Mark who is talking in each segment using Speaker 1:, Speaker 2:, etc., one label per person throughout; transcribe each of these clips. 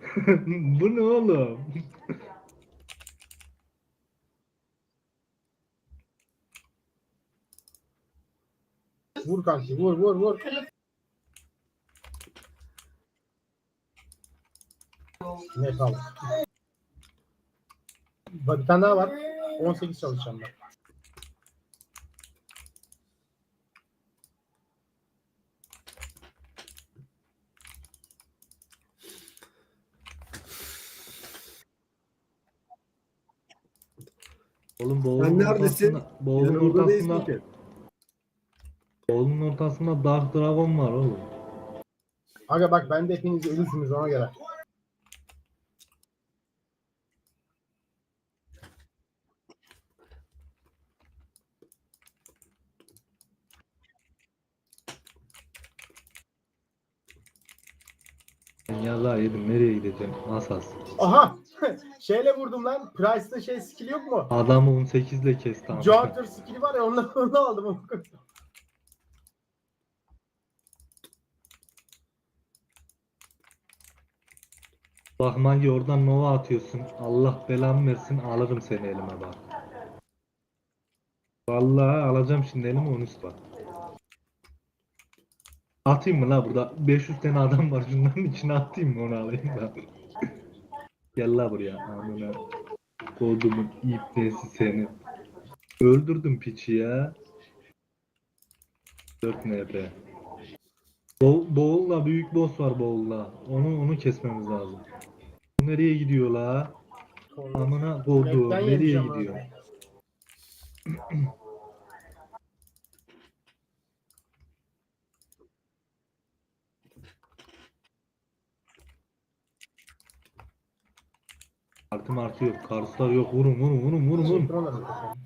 Speaker 1: Bu ne oğlum?
Speaker 2: Vur kanki vur vur vur. Ne kaldı? Bak bir tane daha var. 18 çalışacağım ben.
Speaker 1: Oğlum
Speaker 3: Sen
Speaker 1: boğulun
Speaker 3: neredesin?
Speaker 1: ortasında, boğulun
Speaker 3: Yanımda değilsin
Speaker 1: ortasında,
Speaker 3: ki.
Speaker 1: boğulun ortasında Dark Dragon var oğlum.
Speaker 2: Aga bak ben de hepiniz ölürsünüz ona göre.
Speaker 1: Ben yazağı yedim, nereye gideceğim? Asas.
Speaker 2: Aha! Şeyle vurdum lan. Price'da şey skill yok mu?
Speaker 1: Adamı 18 ile kesti ama.
Speaker 2: Joker skill'i var ya onu aldım.
Speaker 1: Bak Magi oradan Nova atıyorsun. Allah belamı versin, alırım seni elime bak. Vallahi alacağım şimdi elime, onu bak. Atayım mı la burada? 500 tane adam var, şunların içine atayım mı, onu alayım da. Gel la buraya. Amına kodumun ipnesi seni. Öldürdüm piçi ya. 4 NP. Boğul'la büyük boss var Boğul'la. Onu kesmemiz lazım. Bu nereye gidiyor la? Amına kodu
Speaker 2: Map'ten yemiş
Speaker 1: nereye
Speaker 2: ama.
Speaker 1: gidiyor? Artı yok. Karslar yok. Vurun vurun vurun vurun
Speaker 2: Şey
Speaker 1: vurun.
Speaker 2: kırılır.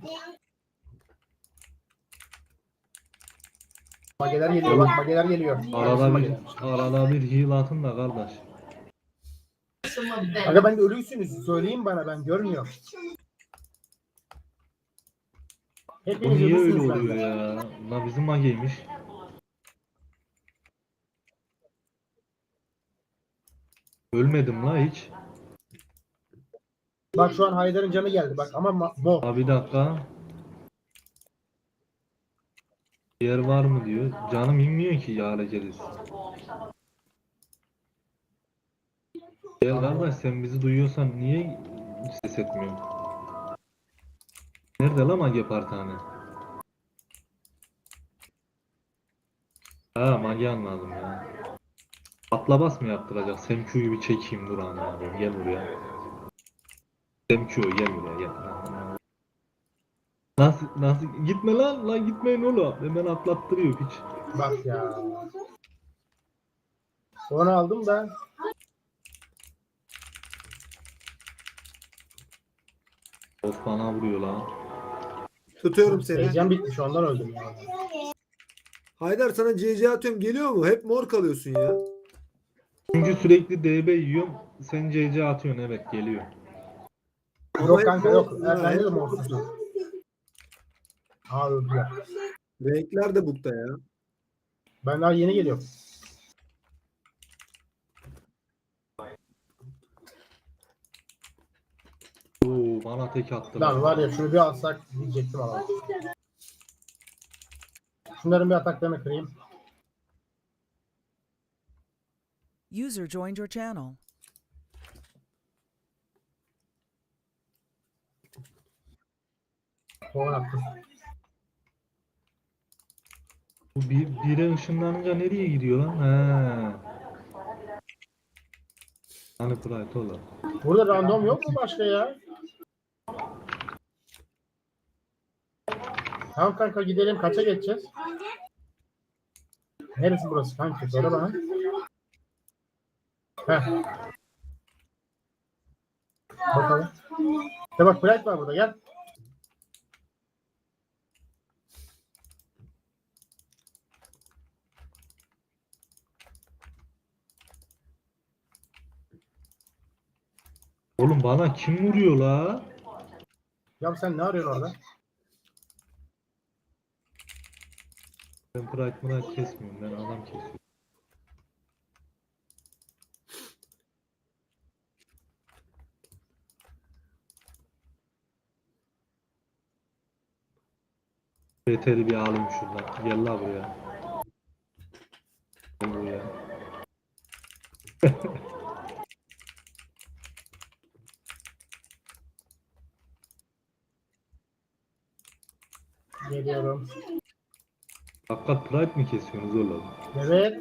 Speaker 2: Mageler geliyor bak mageler geliyor. Gelsin
Speaker 1: Arada bir
Speaker 2: mageler.
Speaker 1: arada bir heal atın da kardeş.
Speaker 2: Aga ben de ölüysünüz. Söyleyin bana ben görmüyorum.
Speaker 1: Bu
Speaker 2: Hepiniz
Speaker 1: niye öyle
Speaker 2: ölüsünüz
Speaker 1: oluyor
Speaker 2: bende.
Speaker 1: ya? La bizim mageymiş. Ölmedim la hiç.
Speaker 2: Bak şu an Haydar'ın canı geldi bak ama bo.
Speaker 1: Ha bir dakika. Yer var mı diyor. Canım inmiyor ki ya hareketiz. Gel kardeş, sen bizi duyuyorsan niye ses etmiyorsun? Nerede la mage partane? Ha mage anladım ya. Atla bas mı yaptıracak? Semku'yu bir çekeyim, dur abi. Gel buraya. Semku gel buraya gel. Nasıl gitme lan gitmeyin oğlum. Hemen atlattırıyor hiç.
Speaker 2: Bak ya. Onu aldım da.
Speaker 1: Of bana vuruyor lan.
Speaker 3: Tutuyorum seni.
Speaker 2: Heyecan bitmiş ondan öldüm ya.
Speaker 3: Haydar sana CC atıyorum, geliyor mu? Hep mor kalıyorsun ya.
Speaker 1: Çünkü sürekli DB yiyorum. Sen CC atıyorsun, evet geliyor.
Speaker 3: Ama
Speaker 2: Yok
Speaker 3: hep
Speaker 2: kanka yok.
Speaker 3: morsun ha,
Speaker 2: Bende
Speaker 3: hep
Speaker 2: de
Speaker 3: morsun.
Speaker 2: morsuzum. Aa öldüler.
Speaker 3: Renkler de bukta ya.
Speaker 2: Ben daha yeni geliyorum.
Speaker 1: Oo bana tek attılar.
Speaker 2: Lan var ya şunu bir alsak diyecektim ama. Şunların bir ataklarını kırayım.
Speaker 4: User joined your channel.
Speaker 2: Kovan attım.
Speaker 1: Bu bire ışınlanınca nereye gidiyor lan? He. Hani Pride oğlum.
Speaker 2: Burada random yok mu başka ya? Tamam kanka gidelim. Kaça geçeceğiz? Neresi burası kanka? Söyle bana. Heh. Bakalım. İşte bak Bright var burada gel.
Speaker 1: Oğlum bana kim vuruyor la?
Speaker 2: Ya sen ne arıyorsun orada?
Speaker 1: Ben Pride kesmiyorum, ben adam kesiyorum. Yeterli bir alayım şuradan. Gel la buraya. Gel buraya.
Speaker 2: Geliyorum.
Speaker 1: Hakikat Pride mi kesiyorsunuz oğlum?
Speaker 2: Evet.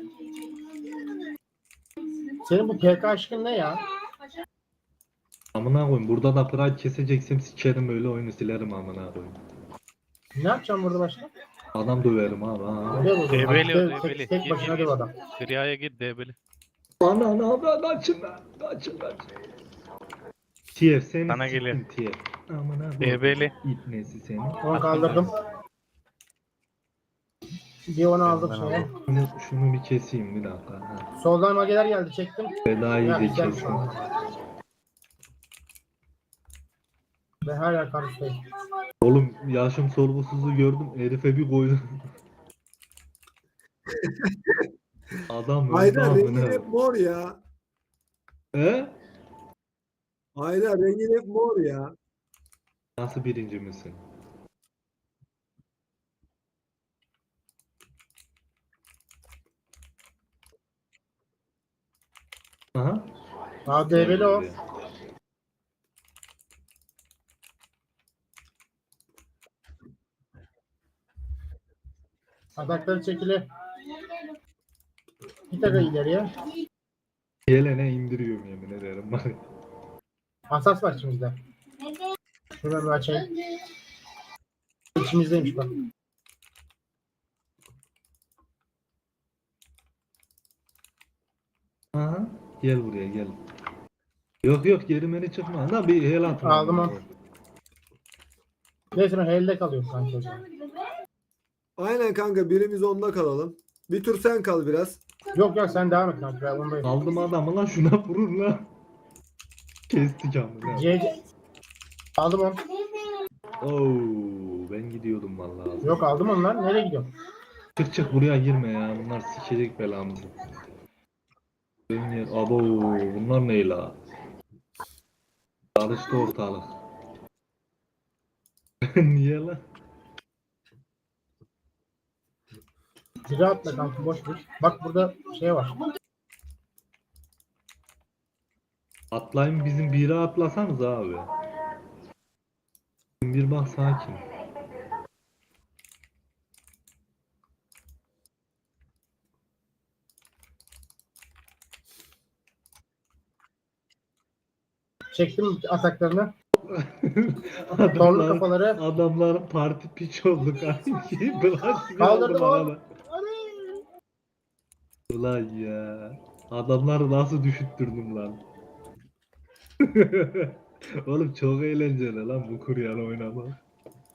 Speaker 2: Senin bu PK aşkın ne ya?
Speaker 1: Amına koyayım. Burada da Pride keseceksem sikerim öyle oyunu silerim amına koyayım.
Speaker 2: Ne yapacağım burada başka?
Speaker 1: Adam döverim abi. Ha.
Speaker 2: Öyle mi?
Speaker 5: Debeli o
Speaker 2: Tek,
Speaker 5: debeli.
Speaker 2: tek
Speaker 5: Gir
Speaker 2: başına
Speaker 5: gir
Speaker 2: döv
Speaker 5: gir.
Speaker 2: adam.
Speaker 5: Kriyaya gir debeli.
Speaker 1: Ana kaçın lan. Kaçın. TF seni
Speaker 5: Sana
Speaker 1: siktin
Speaker 5: geliyor.
Speaker 1: TF. Amına koyayım.
Speaker 5: Debeli.
Speaker 1: İpnesi seni.
Speaker 2: Onu kaldırdım. Bir onu aldım
Speaker 5: Ben
Speaker 2: şeye.
Speaker 1: Şunu bir keseyim bir dakika. Ha.
Speaker 2: Soldan mageler geldi çektim.
Speaker 1: Feda'yı
Speaker 2: Ya
Speaker 1: da
Speaker 2: güzel şu
Speaker 1: kesin.
Speaker 2: an. Ben her yer karşıdayım.
Speaker 1: Oğlum yaşım sorgusuzu gördüm. Herife bir koydum. Adam öldü
Speaker 3: Haydar rengin
Speaker 1: amına.
Speaker 3: hep mor ya.
Speaker 1: He?
Speaker 3: Haydar rengin hep mor ya.
Speaker 1: Nasıl birinci misin? Aha.
Speaker 2: Aa DB'li o. Atakları çekili. Bir taka ileriye.
Speaker 1: Gelene indiriyorum yemin ederim. Bak.
Speaker 2: Asas var içimizde. Şuradan bir açayım. İçimizdeymiş bak.
Speaker 1: Aha. Gel buraya gel. Yok geri beni çıkma. Da bir hel at.
Speaker 2: Aldım onu. Neyse ben elde kalıyorum sanki o zaman.
Speaker 3: Aynen kanka birimiz onda kalalım. Bir tur sen kal biraz.
Speaker 2: Yok sen devam et kanka. Ben ondayım.
Speaker 1: Aldım adamı lan şuna vurur lan. Kestik amına.
Speaker 2: C. Aldım onu.
Speaker 1: Oo, ben gidiyordum vallahi.
Speaker 2: Yok aldım onu lan. Nereye gidiyorsun?
Speaker 1: Çık buraya girme ya. Bunlar sikecek belamızı. Benim yer. Abo bunlar ne la? Karıştı ortalık. Niye lan?
Speaker 2: Biri atla kanka boş ver. Bak burada şey var.
Speaker 1: Atlayın bizim biri atlasanız abi. Bir bak sakin.
Speaker 2: Çektim ataklarını. Torlu kafaları.
Speaker 1: Adamlar parti piç oldu kanki. Bırak
Speaker 2: Kaldırdım
Speaker 1: aldım
Speaker 2: onu.
Speaker 1: arada. Ulan ya. Adamları nasıl düşüttürdüm lan. Oğlum çok eğlenceli lan bu kuryan oynamak.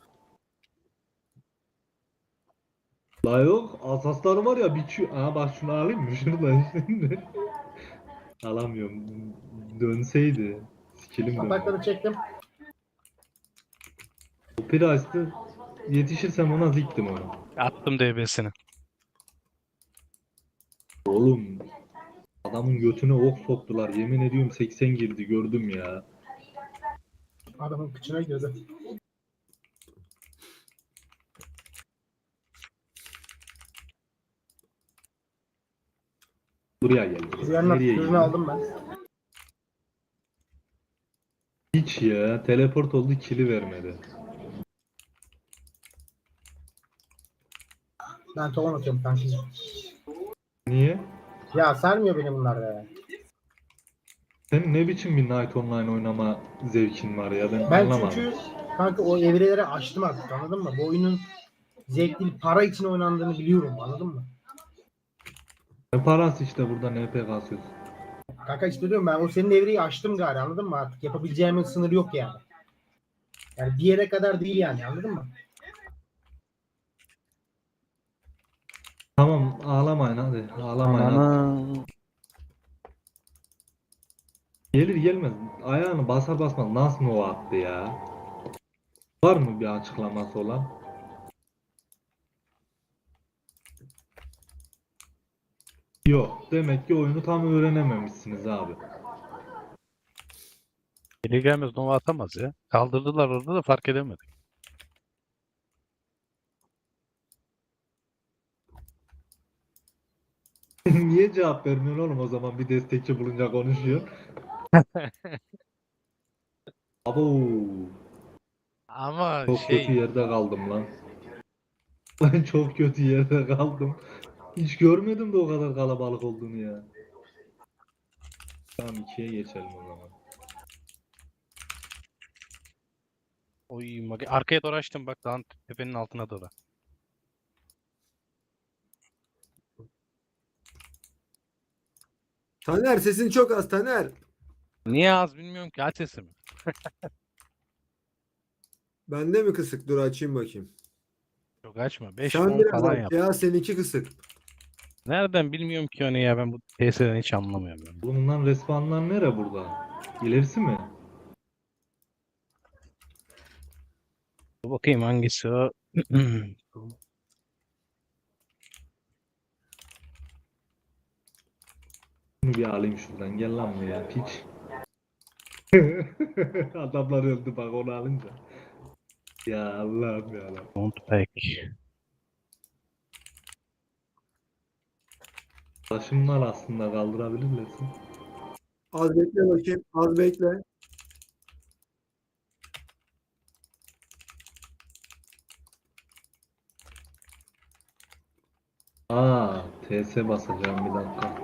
Speaker 1: La yok asasları var ya biçiyor. Aa bak şunu alayım mı şuradan şimdi. Alamıyorum. Dönseydi. Skillim dönüyor.
Speaker 2: Atakları çektim.
Speaker 1: O Price'ı yetişirsem ona ziktim onu.
Speaker 5: Attım DB'sini.
Speaker 1: Oğlum adamın götüne ok soktular. Yemin ediyorum 80 girdi gördüm ya.
Speaker 2: Adamın kıçına girdi.
Speaker 1: Buraya geldi.
Speaker 2: Yanına
Speaker 1: Nereye
Speaker 2: ürünü
Speaker 1: gitti?
Speaker 2: aldım ben.
Speaker 1: Hiç ya. Teleport oldu kili vermedi.
Speaker 2: Ben tohum atıyorum kanka.
Speaker 1: Niye?
Speaker 2: Ya sarmıyor beni bunlar ya.
Speaker 1: Senin ne biçim bir Night Online oynama zevkin var ya ben
Speaker 2: Ben
Speaker 1: anlamadım.
Speaker 2: çünkü kanka o evreleri açtım artık anladın mı? Bu oyunun zevkli para için oynandığını biliyorum anladın mı?
Speaker 1: Ne parası işte burada NP kasıyorsun.
Speaker 2: Kanka işte diyorum ben o senin evreyi açtım gari anladın mı artık? Yapabileceğimin sınırı yok yani. Yani bir yere kadar değil yani anladın mı?
Speaker 1: Tamam ağlamayın hadi. Ağlamayın hadi.
Speaker 5: Ananı.
Speaker 1: Gelir gelmez. Ayağını basar basmaz nasıl Nova attı ya? Var mı bir açıklaması olan? Yok. Demek ki oyunu tam öğrenememişsiniz abi.
Speaker 5: Geri gelmez Nova atamaz ya. Kaldırdılar orada da fark edemedik.
Speaker 1: niye cevap vermiyorsun oğlum o zaman bir destekçi bulunca konuşuyor. Abo
Speaker 5: Ama
Speaker 1: çok kötü yerde kaldım lan. Ben çok kötü yerde kaldım. Hiç görmedim de o kadar kalabalık olduğunu ya. Tamam ikiye geçelim o zaman.
Speaker 5: oy arkaya doğru açtım bak dağın tepenin altına doğru.
Speaker 3: Taner sesin çok az Taner.
Speaker 5: Niye az bilmiyorum ki aç sesimi.
Speaker 3: Bende mi kısık? Dur açayım bakayım.
Speaker 5: Çok açma. 5
Speaker 3: Sen
Speaker 5: 10
Speaker 3: biraz
Speaker 5: falan
Speaker 3: aç
Speaker 5: yap.
Speaker 3: ya, seninki kısık.
Speaker 5: Nereden bilmiyorum ki onu ya ben bu TS'den hiç anlamıyorum. Ben.
Speaker 1: Bulunan respawnlar nere burada? İlerisi mi?
Speaker 5: Dur bakayım hangisi o.
Speaker 1: Bunu bir alayım şuradan. Gel lan buraya piç. Adamlar öldü bak onu alınca. Ya Allah'ım ya Allah'ım.
Speaker 5: Don't pack.
Speaker 1: Taşım var aslında kaldırabilirsin.
Speaker 3: Az bekle bakayım. Az bekle.
Speaker 1: Aa, TS basacağım bir dakika.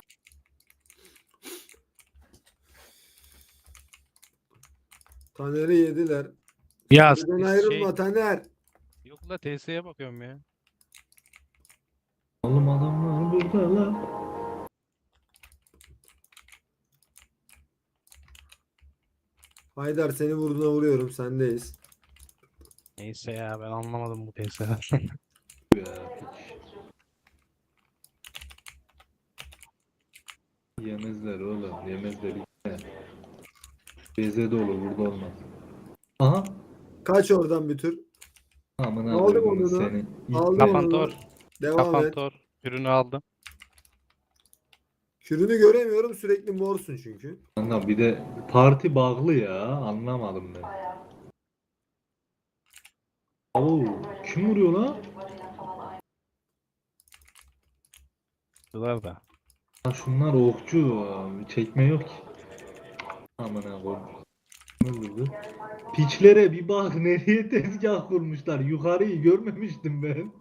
Speaker 3: Taner'i yediler.
Speaker 5: Ya
Speaker 3: Buradan ayrılma Taner.
Speaker 5: yok la TS'ye bakıyorum ya.
Speaker 1: Oğlum adamlar burada lan.
Speaker 3: Haydar seni vurduğuna vuruyorum. Sendeyiz.
Speaker 5: Neyse ya ben anlamadım bu TS'den.
Speaker 1: Ya piç. Yemezler oğlum yemezler. BZ'de olur burada olmaz. Aha.
Speaker 3: Kaç oradan bir tür.
Speaker 1: Amına
Speaker 3: Aldım
Speaker 1: koydum
Speaker 3: onu da.
Speaker 1: seni.
Speaker 3: Aldım
Speaker 5: Kapantor.
Speaker 3: onu. Devam et.
Speaker 5: Kapantor. Ürünü aldım.
Speaker 3: Kürünü göremiyorum. Sürekli morsun çünkü.
Speaker 1: Kanka bir de parti bağlı ya. Anlamadım ben. Oo, kim vuruyor lan?
Speaker 5: Şunlar da.
Speaker 1: Ha, şunlar okçu. Çekme yok ki. Amına koydum. Öldürdü. Piçlere bir bak nereye tezgah kurmuşlar. Yukarıyı görmemiştim ben.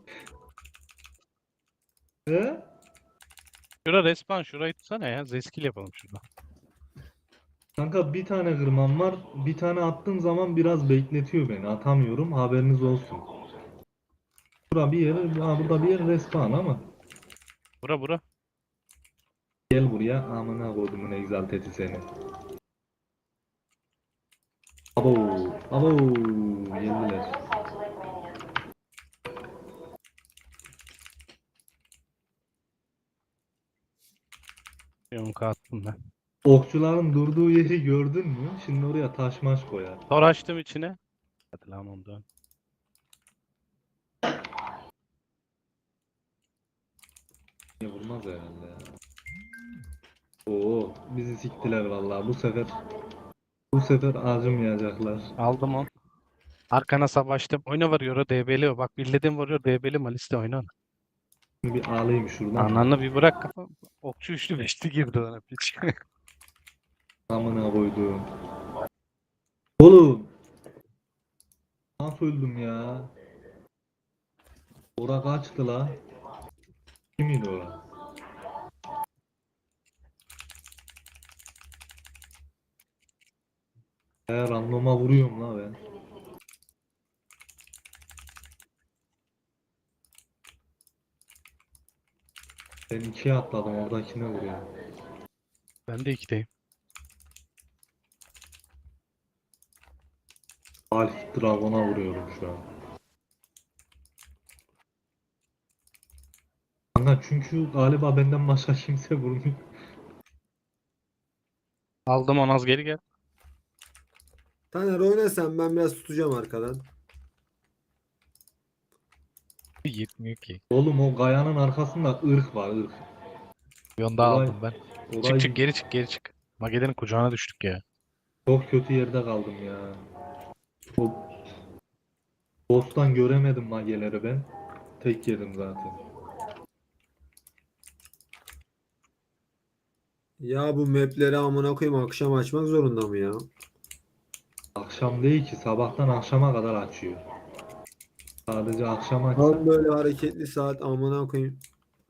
Speaker 1: He?
Speaker 5: Şura respawn şurayı tutsana ya. Zeskil yapalım şurada.
Speaker 1: Kanka bir tane kırmam var. Bir tane attığım zaman biraz bekletiyor beni. Atamıyorum. Haberiniz olsun. Burada bir yer, burada bir yer respawn ama.
Speaker 5: Bura.
Speaker 1: Gel buraya. Amına kodumun egzalteti seni. Abo. Abo. Geldiler.
Speaker 5: Yonka attım ben.
Speaker 1: Okçuların durduğu yeri gördün mü? Şimdi oraya taş maş koyar.
Speaker 5: Tor açtım içine. Hadi lan ondan.
Speaker 1: Niye vurmaz herhalde ya. Oo, bizi siktiler vallahi. Bu sefer acımayacaklar.
Speaker 5: Aldım on. Arkana savaştım. Oyna varıyor DB'li. Bak birledim varıyor DB'li Malis'te oyna.
Speaker 1: Şimdi bir alayım şuradan.
Speaker 5: Ananı bir bırak kafa. Okçu üçlü beşli girdi ona piç.
Speaker 1: Amına koydum. Oğlum. Nasıl öldüm ya? Ora kaçtı la? Kimiydi o? Randoma vuruyorum la ben. Ben ikiye atladım oradakine vuruyorum.
Speaker 5: Ben de ikideyim.
Speaker 1: Alf Dragon'a vuruyorum şu an. Kanka çünkü galiba benden başka kimse vurmuyor.
Speaker 5: Aldım on az geri gel.
Speaker 3: Taner oyna sen, ben biraz tutacağım arkadan.
Speaker 5: Yetmiyor ki.
Speaker 1: Oğlum o Gaya'nın arkasında ırk var ırk.
Speaker 5: Yonda
Speaker 1: Olay-
Speaker 5: aldım ben.
Speaker 1: Orayı
Speaker 5: Çık geri çık. Magedenin kucağına düştük ya.
Speaker 1: çok kötü yerde kaldım ya. O boss'tan göremedim mageleri ben. Tek yedim zaten.
Speaker 3: Ya bu mapleri amına koyayım akşam açmak zorunda mı ya?
Speaker 1: Akşam değil ki, sabahtan akşama kadar açıyor. Sadece akşam açsa
Speaker 3: Tam böyle hareketli saat amına koyayım.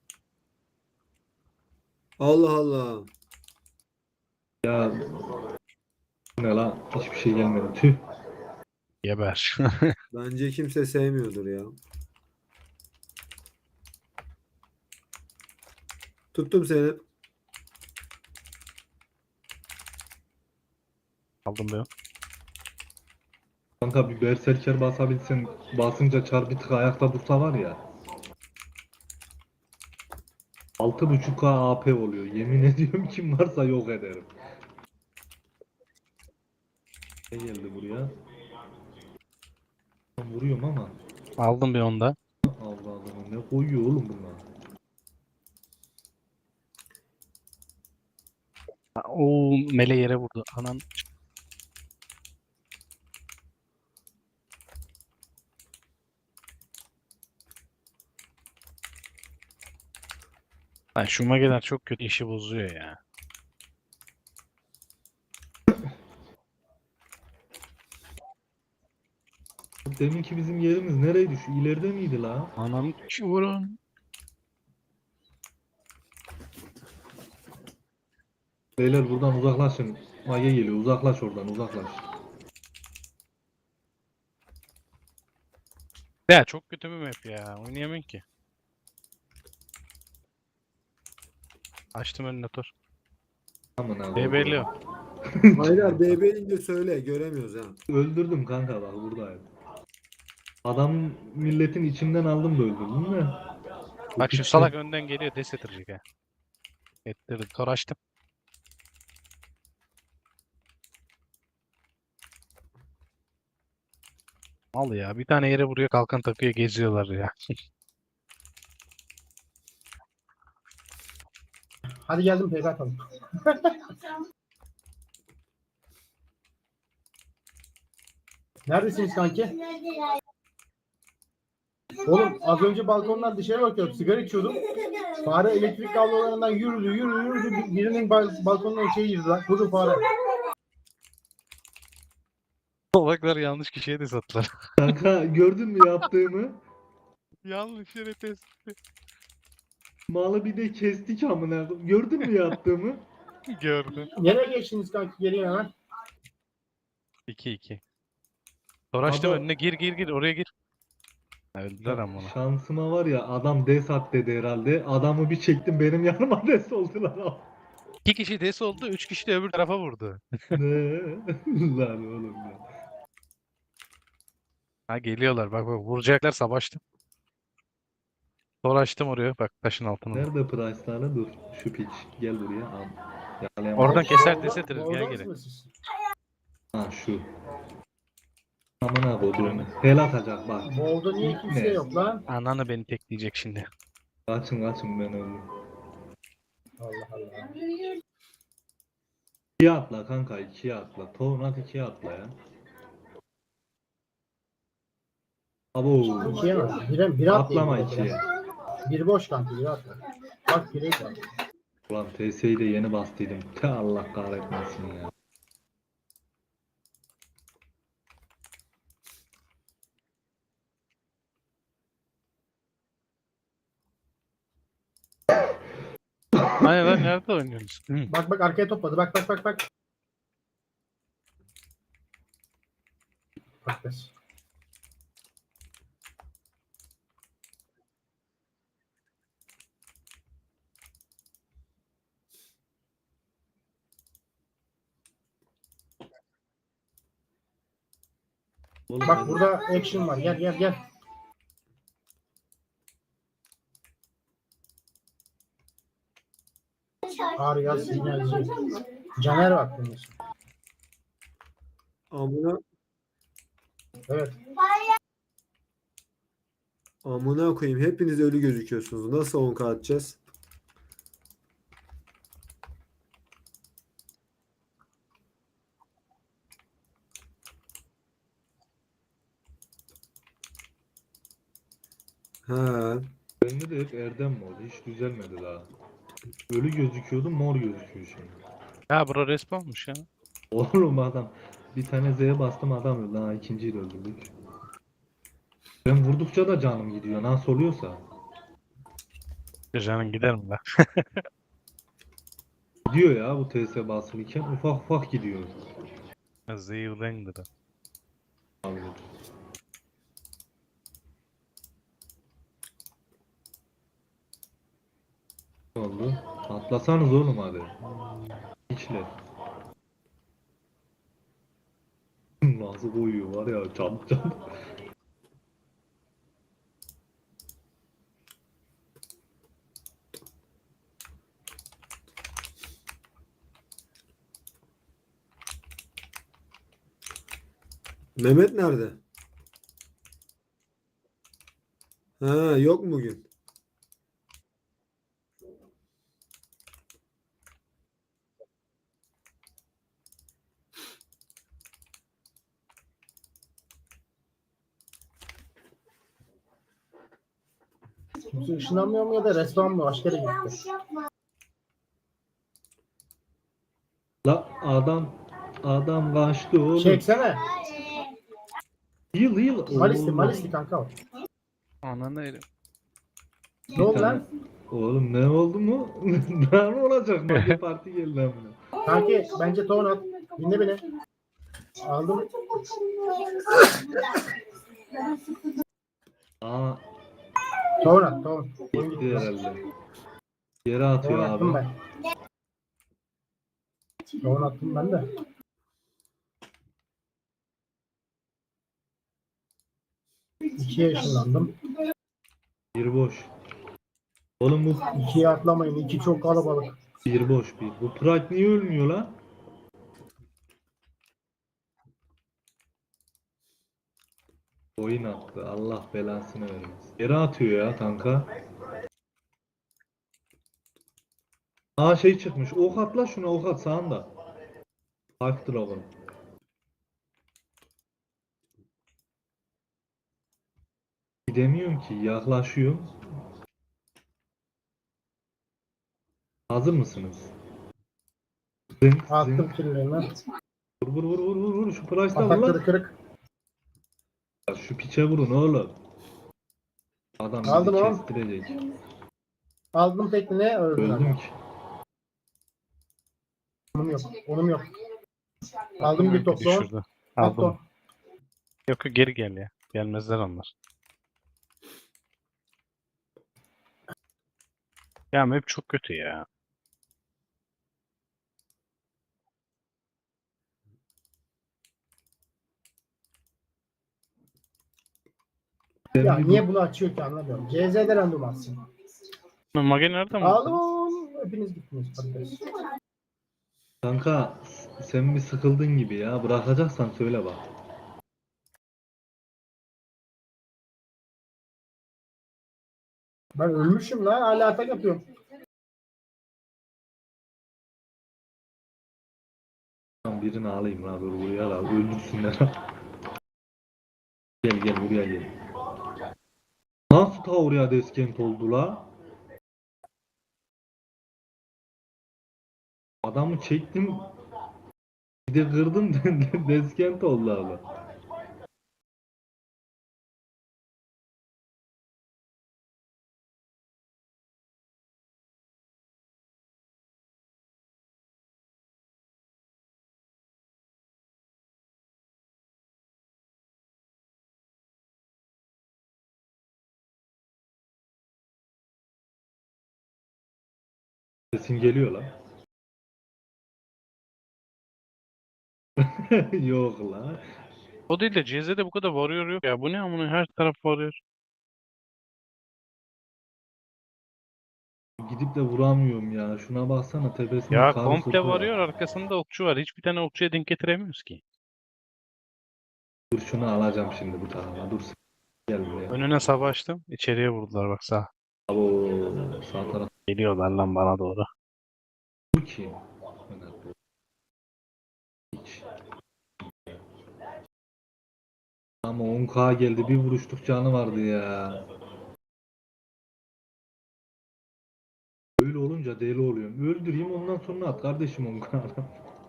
Speaker 3: Allah Allah.
Speaker 1: ya, bu ne la? Hiçbir şey gelmedi. Tüh.
Speaker 5: Geber.
Speaker 3: Bence kimse sevmiyordur ya. Tuttum seni.
Speaker 5: Aldım ben.
Speaker 1: Kanka bir berserker basabilsen, basınca çar bir tık ayakta dursa var ya. 6.5K AP oluyor. Yemin ediyorum, kim varsa yok ederim. Ne geldi buraya? Ben vuruyorum ama.
Speaker 5: Aldım bir onda.
Speaker 1: Allah Allah, ne koyuyor oğlum bunlar?
Speaker 5: O mele yere vurdu. Anan. Ay, şu mageler çok kötü işi bozuyor ya.
Speaker 1: Deminki bizim yerimiz nereydi? Şu ileride miydi la?
Speaker 5: Anam vurun.
Speaker 1: Beyler buradan uzaklaşın. Mage geliyor. Uzaklaş oradan, uzaklaş.
Speaker 5: Ya çok kötü bir map ya. Oynayamıyorum ki. Açtım önüne tor.
Speaker 1: Aman abi.
Speaker 5: DB'li.
Speaker 3: Haydar DB'ince söyle göremiyoruz ha.
Speaker 1: Öldürdüm kanka, bak buradayım. Adam milletin içinden aldım da öldürdüm de. Bu
Speaker 5: Bak şu
Speaker 1: piçler-
Speaker 5: salak önden geliyor. Des ettirecek ha. Ettirdim. Tor açtım. Al ya. Bir tane yere vuruyor. Kalkan takıyor. Geziyorlar ya.
Speaker 2: Hadi geldim PK atalım. Neredesiniz kanki? Oğlum az önce balkondan dışarı bakıyordum. Sigara içiyordum. Fare elektrik kablolarından yürüdü. Birinin balkonuna şey girdi lan. Budur fare.
Speaker 5: Salaklar yanlış kişiye de sattılar.
Speaker 1: Kanka gördün mü yaptığımı?
Speaker 5: Yanlış yere test.
Speaker 1: Malı bir de kestik amına koyayım. Gördün mü yaptığımı?
Speaker 5: Gördüm.
Speaker 2: Nereye geçtiniz kanki? Gelin hemen.
Speaker 5: 2-2. Tor açtım
Speaker 1: Baba-
Speaker 5: önüne. Gir. Oraya gir. Öldüler ama onu.
Speaker 1: Şansıma var ya, adam des at dedi herhalde. Adamı bir çektim, benim yanıma des oldular.
Speaker 5: 2 kişi des oldu. 3 kişi de öbür tarafa vurdu.
Speaker 1: Ne? Lan oğlum ya.
Speaker 5: Ha geliyorlar. Bak vuracaklar savaştım. Tor açtım oraya. Bak taşın altına.
Speaker 1: Nerede Price'larla? Dur. Şu piç. Gel buraya. Al. Yakalayamam.
Speaker 5: Oradan keser des
Speaker 2: Bu
Speaker 5: ettiririz.
Speaker 2: orada
Speaker 5: Gel geri.
Speaker 2: mısınız siz?
Speaker 1: Ha şu. Amına koyduğunu. Hel atacak bak.
Speaker 2: Bu orada niye kimse
Speaker 1: Ne?
Speaker 2: yok lan?
Speaker 5: Ananı beni tekleyecek şimdi.
Speaker 1: Kaçın ben öldüm.
Speaker 2: Allah Allah.
Speaker 1: 2'ye atla kanka, 2'ye atla. Tornat 2'ye atla ya. Abo.
Speaker 2: İkiye mi? Bire atlayayım.
Speaker 1: Atlama
Speaker 2: biraz.
Speaker 1: 2'ye.
Speaker 2: Bir boş kanki. Bire atla. Bak bire var.
Speaker 1: Ulan TS'yi de yeni bastıydım. Te Allah kahretmesin ya.
Speaker 5: Hayır lan nerede oynuyorsunuz? Hı.
Speaker 2: Bak arkaya topladı. Bak. Bak kız.
Speaker 1: Oğlum
Speaker 2: Bak
Speaker 1: ben-
Speaker 2: burada action var. Gel. Arya sinyalci. Caner var bunun ismi.
Speaker 3: Amına
Speaker 2: Evet.
Speaker 3: amına koyayım hepiniz ölü gözüküyorsunuz. Nasıl 10K atacağız? Ha.
Speaker 1: Bende de hep Erdem mi oldu? Hiç düzelmedi daha. Ölü gözüküyordu, mor gözüküyor şimdi.
Speaker 5: Ya bura respawnmuş ya.
Speaker 1: Oğlum adam bir tane Z'ye bastım adam öldü. Ha ikinciyi de öldürdük. Ben vurdukça da canım gidiyor. Nasıl oluyorsa.
Speaker 5: Canın gider mi lan?
Speaker 1: Gidiyor ya bu TS basılıyken ufak ufak gidiyor.
Speaker 5: Zeyulendir.
Speaker 1: Abi. Ne oldu? Atlasanız oğlum hadi. İçle. Nasıl koyuyor var ya çabuk çabuk.
Speaker 3: Mehmet nerede? Ha, yok mu bugün?
Speaker 2: Kimse ışınlanmıyor mu ya da resmen mi? Başka yere gitti.
Speaker 1: La adam kaçtı oğlum.
Speaker 2: Çeksene.
Speaker 1: Yıl.
Speaker 2: Malisli kanka o.
Speaker 5: Ananı elim.
Speaker 2: Ne oldu lan?
Speaker 1: Oğlum ne oldu mu? Ne olacak? Mage parti geldi amına.
Speaker 2: Kanki bence ton at. Dinle beni. Aldım.
Speaker 1: Aa
Speaker 2: Ton at ton.
Speaker 1: gitti herhalde. Yere
Speaker 2: Ton
Speaker 1: atıyor
Speaker 2: attım
Speaker 1: abi.
Speaker 2: ben. Ton attım ben de. İkiye ışınlandım.
Speaker 1: Bir boş. Oğlum bu
Speaker 2: İkiye atlamayın. İki çok kalabalık.
Speaker 1: bir boş bir. Bu Pride niye ölmüyor lan? Oyun attı. Allah belasını vermesin. Yere atıyor ya kanka. Aa şey çıkmış. Ok at la şuna ok at sağında. Half Dragon. Gidemiyorum ki. Yaklaşıyorum. Hazır mısınız? Zınk
Speaker 2: Attım
Speaker 1: zınk.
Speaker 2: kirlerini.
Speaker 1: Vur. Şu Price'la vur
Speaker 2: Atakları
Speaker 1: lan.
Speaker 2: kırık.
Speaker 1: Şu piçe vurun oğlum. Adam bizi
Speaker 2: Aldım oğlum.
Speaker 1: kestirecek.
Speaker 2: Aldım tekniğe öldüm.
Speaker 1: Öldüm ki.
Speaker 2: Onum yok. Onum yok. Aldım bir top son.
Speaker 5: Düşürdü.
Speaker 2: Aldım.
Speaker 5: Aldım. Yok yok, geri gel ya. Gelmezler onlar. Ya map çok kötü ya.
Speaker 2: Ya niye bunu açıyor ki anlamıyorum. CZ'de random atsın.
Speaker 5: Mage nereden
Speaker 2: Aldım
Speaker 5: buldun?
Speaker 2: oğlum. Hepiniz gittiniz. Patates.
Speaker 1: Kanka sen bir sıkıldın gibi ya. Bırakacaksan söyle bak.
Speaker 2: Ben ölmüşüm lan. Hala atak yapıyorum.
Speaker 1: Tamam, birini alayım la dur buraya la. Öldürsünler. Gel buraya gel. Nasıl ta oraya deskent oldu la? Adamı çektim. Bir de kırdım deskent oldu abi. Sesin geliyor la. Yok la.
Speaker 5: O değil de CZ'de bu kadar varıyor yok ya. Bu ne amına, her taraf varıyor.
Speaker 1: Gidip de vuramıyorum ya. Şuna baksana tepesinde
Speaker 5: Ya
Speaker 1: karı
Speaker 5: komple
Speaker 1: sopa var.
Speaker 5: varıyor, arkasında okçu var. Hiçbir tane okçuya denk getiremiyoruz ki.
Speaker 1: Dur şunu alacağım şimdi bu tarafa. Dur gel buraya.
Speaker 5: Önüne savaştım. İçeriye vurdular bak sağ.
Speaker 1: Abo sağ taraf
Speaker 5: Geliyorlar lan bana doğru.
Speaker 1: bu ki. Hiç. Ama 10k geldi bir vuruştuk canı vardı ya. Öyle olunca duyunca deli oluyorum. Öldüreyim ondan sonra at kardeşim onu kanala.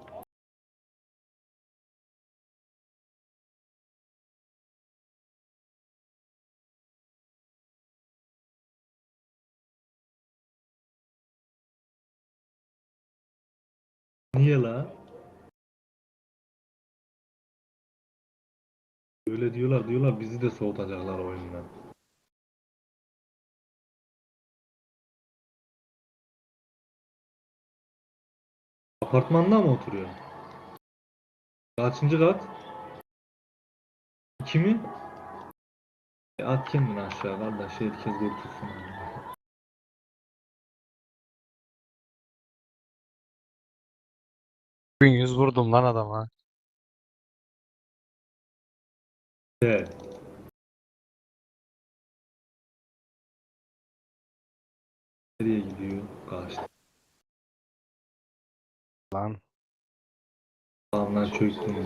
Speaker 1: Niye la? Öyle diyorlar bizi de soğutacaklar oyundan. Apartmanda mı oturuyorsun? Kaçıncı kat? 2 mi? At kendini aşağı kardeş herkes kurtulsun.
Speaker 5: Bugün 100 vurdum lan adama.
Speaker 1: Evet. Nereye gidiyor? Kaçtı.
Speaker 5: Lan.
Speaker 1: Sağımdan çöktüm.